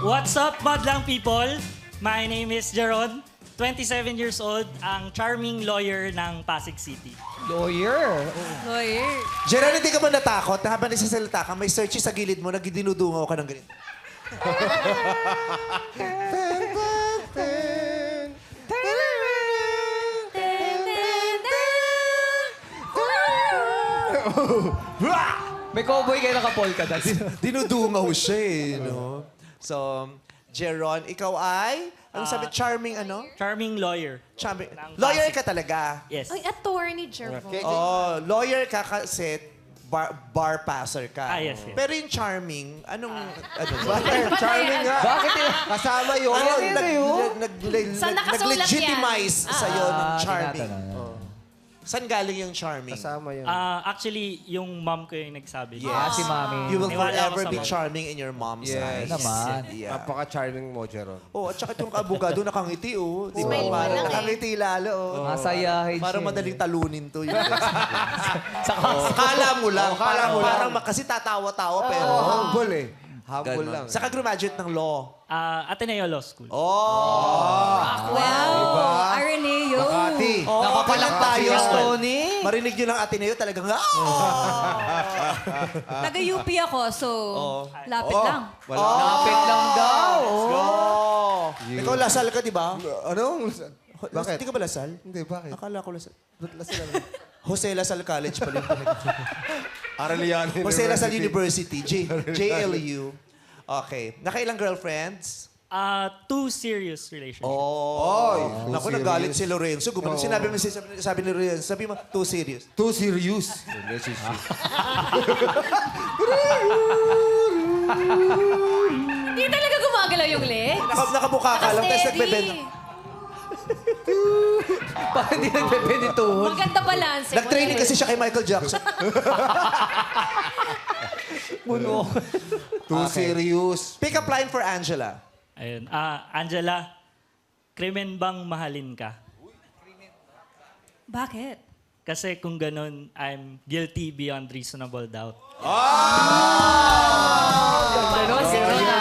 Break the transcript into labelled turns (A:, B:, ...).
A: What's up, madlang people? My name is Jeron, 27 years old, ang charming lawyer ng Pasig City.
B: Lawyer.
C: Jeron, hindi ka ba natakot na habang nagsasalita ka, may searchy sa gilid mo, nagdinudungaw ka ng ganito?
B: May cowboy kayo naka-polka dot.
C: Dinudungaw siya eh, no? So, Jeron, ikaw ay, ano sabi, charming ano?
A: Charming lawyer.
C: Charming.
A: Ng
C: Lawyer
A: Pasig.
C: ka talaga?
A: Yes.
D: Ay, attorney, Jervo.
C: Oh, lawyer ka kasi bar passer ka.
A: Yes, yes.
C: Pero yung charming, anong,
E: Charming nga.
B: Bakit yun?
E: Kasama yun.
C: ano,
D: Saan nakasulat
C: nag-legitimize sa'yo ng charming.
B: tinatanong.
C: Saan galing yung charming?
E: Kasama yun.
A: Actually, yung mom ko yung nagsabi.
B: Ah, si Mami.
C: You will
A: Niwala ako
C: forever
A: sa
C: be
A: mom.
C: charming in your mom's eyes.
E: Yes.
B: Naman.
C: Yeah.
E: Napaka-charming mo, Jeron.
C: Oh, at saka itong abogado nakangiti, oh. Di ba?
D: Smile pa
C: Parang
D: lang eh.
C: nakangiti lalo, oh.
B: Masayahin
C: Parang
B: siya.
C: madaling talunin to. Yun.
B: Saka,
C: Kala mo lang.
E: kala mo lang.
C: Kasi tatawa-tawa, pero...
E: Humble eh. Humble
C: Ganon.
E: lang.
C: Saka graduate ng law.
A: Ateneo Law School.
C: Oh!
D: Wow! Areneo.
E: Makati.
C: Oh,
B: Nakapalang
C: tayo.
B: tayo, Tony.
C: Marinig nyo ng Ateneo, talagang...
D: Taga-UP ako, so lapit lang.
B: Lapit lang daw.
C: Oh! Ikaw, Lasal ka, di ba?
E: Anong? Bakit?
C: Hindi ka ba Lasal?
E: Hindi, bakit?
C: Akala ko Lasal.
E: Ba't lasal lang?
C: Jose Lasal College pala yun.
E: Aralian
C: Jose Lasal University, JLU. Okay. Nakailang girlfriends?
A: 2 serious relationships.
C: Oh.
E: Too
C: Naku,
E: serious.
C: nagalit si Lorenzo. Gumano, sinabi mo, sabi ni Lorenzo, sabi mo, too serious.
E: Too serious. Relationship.
D: Hindi talaga gumagalaw yung leg.
C: Nakabuka ka lang, tapos nagbebenta.
B: Parang hindi nagpepenituhon.
D: Maganda balance.
C: Nag-training kasi siya kay Michael Jackson.
B: Puno.
E: Too serious.
C: Pick up line for Angela.
A: Ayun. Angela, krimen bang mahalin ka?
D: Bakit?
A: Kasi kung ganun, I'm guilty beyond reasonable doubt.
B: Ganon, ganon.